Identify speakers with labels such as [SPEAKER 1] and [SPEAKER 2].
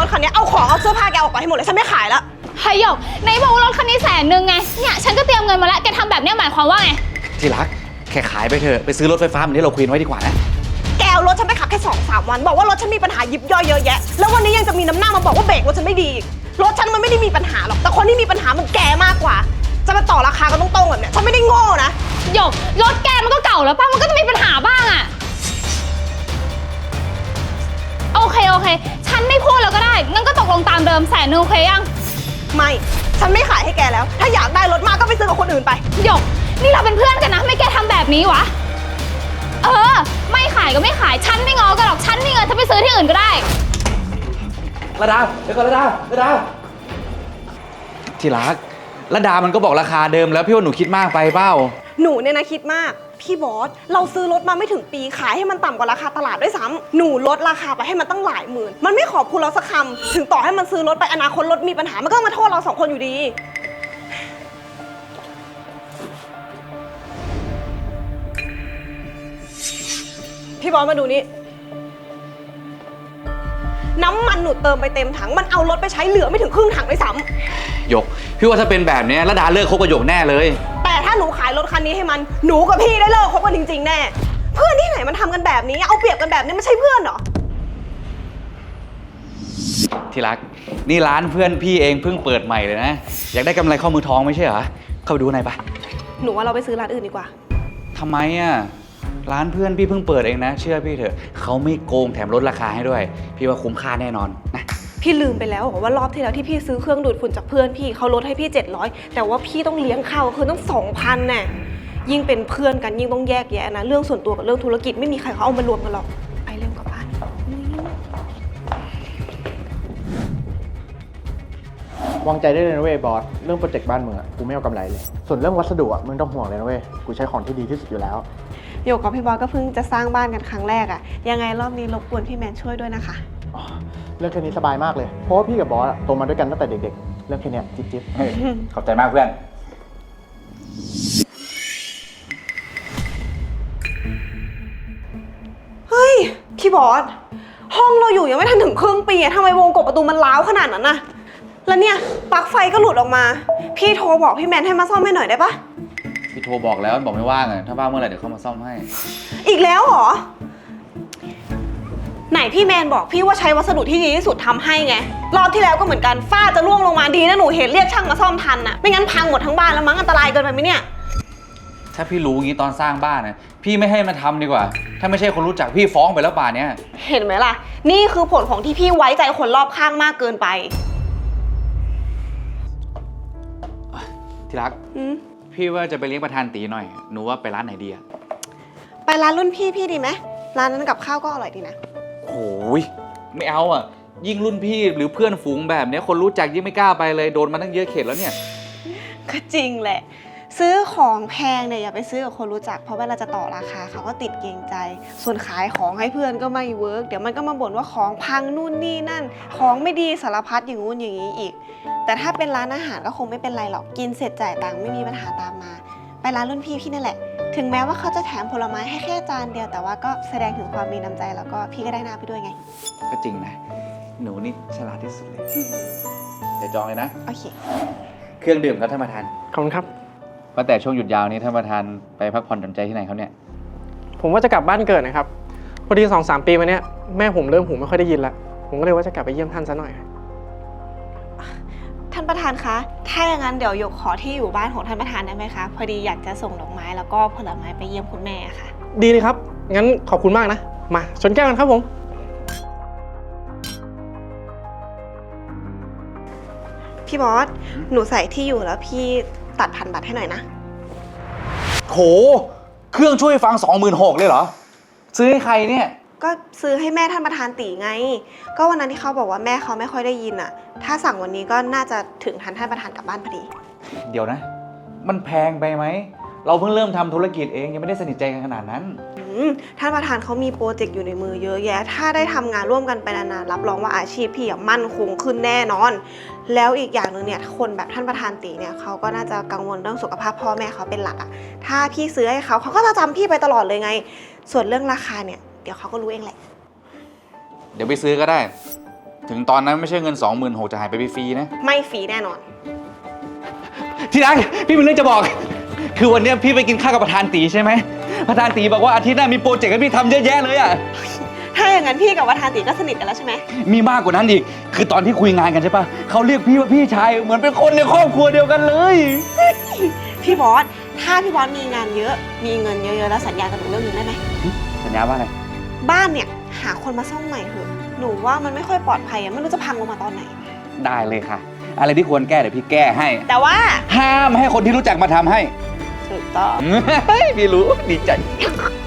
[SPEAKER 1] คันนี้เอาของเอาเสื้อผ้าแกออกไปให้หมดเลยฉันไม่ขายแล้ว
[SPEAKER 2] เฮ้ยหยกไหนบอกว่ารถคันนี้100,000ไงเนี่ยฉันก็เตรียมเงินมาแล้วแกทำแบบนี้หมายความว่าไง
[SPEAKER 3] ที่รักแค่ขายไปเถอะไปซื้อรถไฟฟ้าเหมือนที่เราคุยไว้ดีกว่านะ
[SPEAKER 1] แกเอารถฉันไปขับแค่2-3 วันบอกว่ารถฉันมีปัญหายิบย่อยเยอะแยะแล้ววันนี้ยังจะมีน้ำหน้ามาบอกว่าเบรกรถฉันไม่ดีรถฉันมันไม่ได้มีปัญหาหรอกแต่คนที่มีปัญหามันแกมากกว่าจะมาต่อราคากันตรงๆแบบเนี้ยฉันไม่ได้โง่นะ
[SPEAKER 2] หยกรถแกมันก็เก่าแล้วป่ะมันก็จะมีปัญหาบ้างอะโอเคฉันไม่พูดแล้วก็ได้งั้นก็ตกลงตามเดิม100,000โอเคยัง
[SPEAKER 1] ไม่ฉันไม่ขายให้แกแล้วถ้าอยากได้รถมากก็ไปซื้อกับคนอื่นไป
[SPEAKER 2] หยกนี่เราเป็นเพื่อนกันนะไม่แกทำแบบนี้วะไม่ขายก็ไม่ขายฉันไม่ง้อกันหรอกฉันมีเงินฉันไปซื้อที่อื่นก็ได้
[SPEAKER 3] ระดาเดี๋ยวก่อนระดาที่รักระดามันก็บอกราคาเดิมแล้วพี่ว่าหนูคิดมากไปเปล่า
[SPEAKER 1] หนูเนี่ยนะคิดมากพี่บอสเราซื้อรถมาไม่ถึงปีขายให้มันต่ำกว่าราคาตลาดด้วยซ้ำหนูลดราคาไปให้มันตั้งหลายหมื่นมันไม่ขอบคุณเราสักคำถึงต่อให้มันซื้อรถไปอนาคตรถมีปัญหามันก็มาโทษเรา2 คนอยู่ดีพี่บอสมาดูนี่น้ำมันหนูเติมไปเต็มถังมันเอารถไปใช้เหลือไม่ถึงครึ่งถังด้วยซ้
[SPEAKER 3] ำหยกพี่ว่าถ้าเป็นแบบนี้ระดาเลิกคบกับหยกแน่เลย
[SPEAKER 1] แต่ถ้าหนูขายรถคันนี้ให้มันหนูกับพี่ได้เลิกคบกันจริงๆแน่เพื่อนที่ไหนมันทำกันแบบนี้เอาเปรียบกันแบบนี้ไม่ใช่เพื่อนเหรอ
[SPEAKER 3] ที่รักนี่ร้านเพื่อนพี่เองเพิ่งเปิดใหม่เลยนะอยากได้กำไรข้อมือทองไม่ใช่เหรอเข้าไปดูหน่อยปะ
[SPEAKER 1] หนูว่าเราไปซื้อร้านอื่นดีกว่า
[SPEAKER 3] ทำไมอ่ะร้านเพื่อนพี่เพิ่งเปิดเองนะเชื่อพี่เถอะเขาไม่โกงแถมลดราคาให้ด้วยพี่ว่าคุ้มค่าแน่นอนนะ
[SPEAKER 1] พี่ลืมไปแล้วว่ารอบที่แล้วที่พี่ซื้อเครื่องดูดฝุ่นจากเพื่อนพี่เขาลดให้พี่700แต่ว่าพี่ต้องเลี้ยงข้าวคือต้อง2,000แน่ยิ่งเป็นเพื่อนกันยิ่งต้องแยกแยะนะเรื่องส่วนตัวกับเรื่องธุรกิจไม่มีใครเขาเอามารวมกันหรอกไปเร็วกลับบ้าน
[SPEAKER 4] วางใจได้เลยนะเว้ยบอสเรื่องโปรเจกต์บ้านมึงอะกูไม่เอากำไรเลยส่วนเรื่องวัสดุอะมึงต้องห่วงเลยนะเว้ยกูใช้ของที่ดีที่สุดอยู่แล้ว
[SPEAKER 1] โยกกับพี่บอสก็เพิ่งจะสร้างบ้านกันครั้งแรกอะยังไงรอบนี้รบกวนพี่แมนช่วยด้วยนะคะ
[SPEAKER 4] เรื่องแค่นี้สบายมากเลยเพราะว่าพี่กับบอสโตมาด้วยกันตั้งแต่เด็กๆเรื่องแค่นี้จิ๊บ
[SPEAKER 3] ขอบใจมากเพื่อน
[SPEAKER 1] เฮ้ยพี่บอสห้องเราอยู่ยังไม่ทันถึงครึ่งปีทำไมวงกบประตูมันร้าวขนาดนั้นน่ะแล้วเนี่ยปลั๊กไฟก็หลุดออกมาพี่โทรบอกพี่แมนให้มาซ่อมให้หน่อยได้ปะ
[SPEAKER 3] พี่โทรบอกแล้วบอกไม่ว่างอ่ะถ้าว่างเมื่อไหร่เดี๋ยวเขามาซ่อมให้
[SPEAKER 1] อีกแล้วเหรอไหนพี่แมนบอกพี่ว่าใช้วัสดุที่ดีที่สุดทำให้ไงรอบที่แล้วก็เหมือนกันฝ้าจะร่วงลงมาดีนะหนูเห็นเรียกช่างมาซ่อมทันน่ะไม่งั้นพังหมดทั้งบ้านแล้วมั้งอันตรายเกินไปไหมเนี่ย
[SPEAKER 3] ถ้าพี่รู้งี้ตอนสร้างบ้านนะพี่ไม่ให้มาทำดีกว่าถ้าไม่ใช่คนรู้จักพี่ฟ้องไปแล้วป่านเนี้ย
[SPEAKER 1] เห็นไหมล่ะนี่คือผลของที่พี่ไว้ใจคนรอบข้างมากเกินไป
[SPEAKER 3] ที่รักพี่ว่าจะไปเลี้ยงประธานตีหน่อยหนูว่าไปร้านไหนดีอะ
[SPEAKER 1] ไปร้านรุ่นพี่ดีไหมร้านนั้นกับข้าวก็อร่อยดีนะ
[SPEAKER 3] โอ้ยไม่เอาอ่ะยิ่งรุ่นพี่หรือเพื่อนฝูงแบบนี้คนรู้จักยิ่งไม่กล้าไปเลยโดนมาตั้งเยอะเข็ดแล้วเนี่ย
[SPEAKER 1] ก็จริงแหละซื้อของแพงเนี่ยอย่าไปซื้อกับคนรู้จักเพราะเวลาจะต่อราคาเขาก็ติดเกรงใจส่วนขายของให้เพื่อนก็ไม่เวิร์กเดี๋ยวมันก็มาบ่นว่าของพังนู่นนี่นั่นของไม่ดีสารพัดอย่างงู้นอย่างนี้อีกแต่ถ้าเป็นร้านอาหารก็คงไม่เป็นไรหรอกกินเสร็จจ่ายตังค์ไม่มีปัญหาตามมาไปร้านรุ่นพี่นั่นแหละถึงแม้ว่าเขาจะแถมผลไม้ให้แค่จานเดียวแต่ว่าก็แสดงถึงความมีน้ำใจแล้วก็พี่ก็ได้หน้าไปด้วยไง
[SPEAKER 3] ก็จริงนะหนูนี่ฉลาดที่สุดเลยเดี๋ยวจองเลยนะ
[SPEAKER 1] โอเค
[SPEAKER 3] เครื่องดื่มครับท่านประธาน
[SPEAKER 4] ขอบคุณครับ
[SPEAKER 3] ว่าแต่ช่วงหยุดยาวนี้ท่านประธานไปพักผ่อนหย่อนใจที่ไหนครับเนี่ย
[SPEAKER 4] ผมว่าจะกลับบ้านเกิดนะครับพอดี 2-3 ปีมาเนี้ยแม่ผมเริ่มหูไม่ค่อยได้ยินละผมก็เลยว่าจะกลับไปเยี่ยมท่านซะหน่อย
[SPEAKER 1] ท่านประธานคะถ้าอย่างนั้นเดี๋ยวหยกขอที่อยู่บ้านของท่านประธานได้ไหมคะพอดีอยากจะส่งดอกไม้แล้วก็ผลไม้ไปเยี่ยมคุณแม่ค่ะ
[SPEAKER 4] ดีเลยครับงั้นขอบคุณมากนะมาชนแก้วกันครับผม
[SPEAKER 1] พี่บอสหนูใส่ที่อยู่แล้วพี่ตัด1,000 บาทให้หน่อยนะ
[SPEAKER 3] โหเครื่องช่วยฟัง 26,000เลยเหรอซื้อให้ใครเนี่ย
[SPEAKER 1] ก็ซื้อให้แม่ท่านประธานตีไงก็วันนั้นที่เขาบอกว่าแม่เขาไม่ค่อยได้ยินอ่ะถ้าสั่งวันนี้ก็น่าจะถึงทันท่านประธานกลับบ้านพอดี
[SPEAKER 3] เดี๋ยวนะมันแพงไปไหมเราเพิ่งเริ่มทำธุรกิจเองยังไม่ได้สนิทใจกันขนาดนั้น
[SPEAKER 1] ท่านประธานเขามีโปรเจกต์อยู่ในมือเยอะแยะถ้าได้ทำงานร่วมกันไปนานๆรับรองว่าอาชีพพี่มั่นคงขึ้นแน่นอนแล้วอีกอย่างหนึ่งเนี่ยคนแบบท่านประธานตีเนี่ยเขาก็น่าจะกังวลเรื่องสุขภาพพ่อแม่เขาเป็นหลักอ่ะถ้าพี่ซื้อให้เขาก็จะจำพี่ไปตลอดเลยไงส่วนเรื่องราคาเนี่ยเดี๋ยวเขาก็รู้เองแหละ
[SPEAKER 3] เดี๋ยวไปซื้อก็ได้ถึงตอนนั้นไม่ใช่เงิน 26,000จะหายไปฟรีๆนะ
[SPEAKER 1] ไม่ฟรีแน่นอน
[SPEAKER 3] ที่รักพี่มีเรื่องจะบอก คือวันเนี้ยพี่ไปกินข้าวกับประธานตีใช่ไหมประธานตีบอกว่าอาทิตย์หน้ามีโปรเจกต์ให้พี่ทำเยอะแยะเลยอะ
[SPEAKER 1] ถ้าอย่างนั้นพี่กับประธานติก็สนิทกันแล้วใช่ไหม
[SPEAKER 3] มีมากกว่านั้นอีก คือตอนที่คุยงานกันใช่ปะเขาเรียกพี่ว่าพี่ชายเหมือนเป็นคนในครอบครัวเดียวกันเลย
[SPEAKER 1] พี่บอส ถ้าพี่บอสมีงานเยอะ มีเงินเยอะๆแล้วสัญญากับหนูเรื่องหนึงได้ไหม
[SPEAKER 3] สัญญาว่าอะไร
[SPEAKER 1] บ้านเนี่ยหาคนมาซ่อมใหม่เถอะ หนูว่ามันไม่ค่อยปลอดภัยอะไม่รู้จะพังลงมาตอนไหน
[SPEAKER 3] ได้เลยค่ะ อะไรที่ควรแก้เดี๋ยวพี่แก้ให้
[SPEAKER 1] แต่ว่า
[SPEAKER 3] ห้ามให้คนที่รู้จักมาทำให้
[SPEAKER 1] ถูกต้อง
[SPEAKER 3] พี่รู้ดีใจ